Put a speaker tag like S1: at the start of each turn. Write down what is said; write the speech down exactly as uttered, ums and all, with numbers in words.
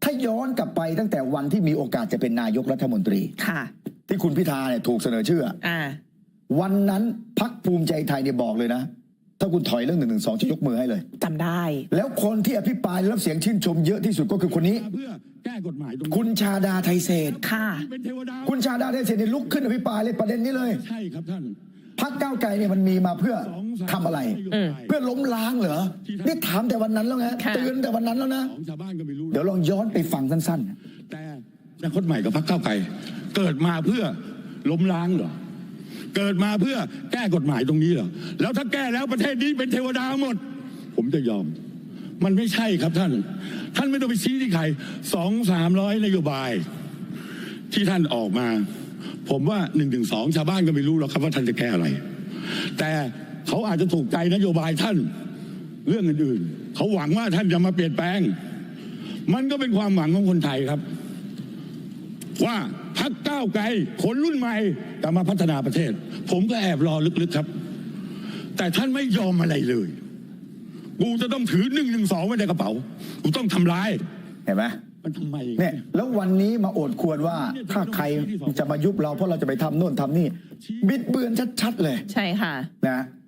S1: าย้อนกลับไปตั้งแต่วันที่มีโอกาสจะเป็นนายกรัฐมนตรี
S2: ค่ะ
S1: ที่คุณพิธาเนี่ยถูกเสนอชื่ออ่าวันนั้นพรรคภูมิใจไทยเนี่ยบอกเลยนะถ้าคุณถอยเรื่องหนึ่งหนึ่งสองจะยกมือให้เลย
S2: จำได้
S1: แล้วคนที่อภิปรายรับเสียงชื่นชมเยอะที่สุดก็คือคนนี้
S3: เพื่อแก้กฎหมาย
S1: คุณชาดาไทเศษ
S2: ค่ะ
S1: คุณชาดาไทเศษเนี่ยลุกขึ้นอภิปรายเลยประเด็นนี้เลย
S3: ใช่ครับท่าน
S1: พรรคก้าวไกลเนี่ยมันมีมาเพื่อทำอะไรเพื่อล้มล้างเหรอนี่ถามแต่วันนั้นแล้วไงเตือนแต่วันนั้นแล้วนะเดี๋ยวลองย้อนไปฟังสั้น
S3: ๆแต่อนาคตใหม่กับพรรคก้าวไกลเกิดมาเพื่อล้มล้างเหรอเกิดมาเพื่อแก้กฎหมายตรงนี้เหรอแล้วถ้าแก้แล้วประเทศนี้เป็นเทวดาหมดผมจะยอมมันไม่ใช่ครับท่านท่านไม่ต้องไปชี้ที่ใครสองสามร้อยนโยบายที่ท่านออกมาผมว่าหนึ่งถึงสองชาวบ้านก็ไม่รู้หรอกครับว่าท่านจะแก้อะไรแต่เขาอาจจะถูกใจนโยบายท่านเรื่องอื่นๆเขาหวังว่าท่านจะมาเปลี่ยนแปลงมันก็เป็นความหวังของคนไทยครับว่าพรรคก้าวไกลคนรุ่นใหม่จะมาพัฒนาประเทศผมก็แอบรอลึกๆครับแต่ท่านไม่ยอมอะไรเลยกูจะต้องถือหนึ่งหนึ่งสองไว้ในกระเป๋ากูต้องทำลาย
S1: เห็นไหม
S3: มันทำไม
S1: เนี่ยแล้ววันนี้มาโอดควรว่าถ้าใครจะมายุบเราเพราะเราจะไปทำโน่นทำนี่บิดเบือนชัดๆเลย
S2: ใช่ค่ะ
S1: นะ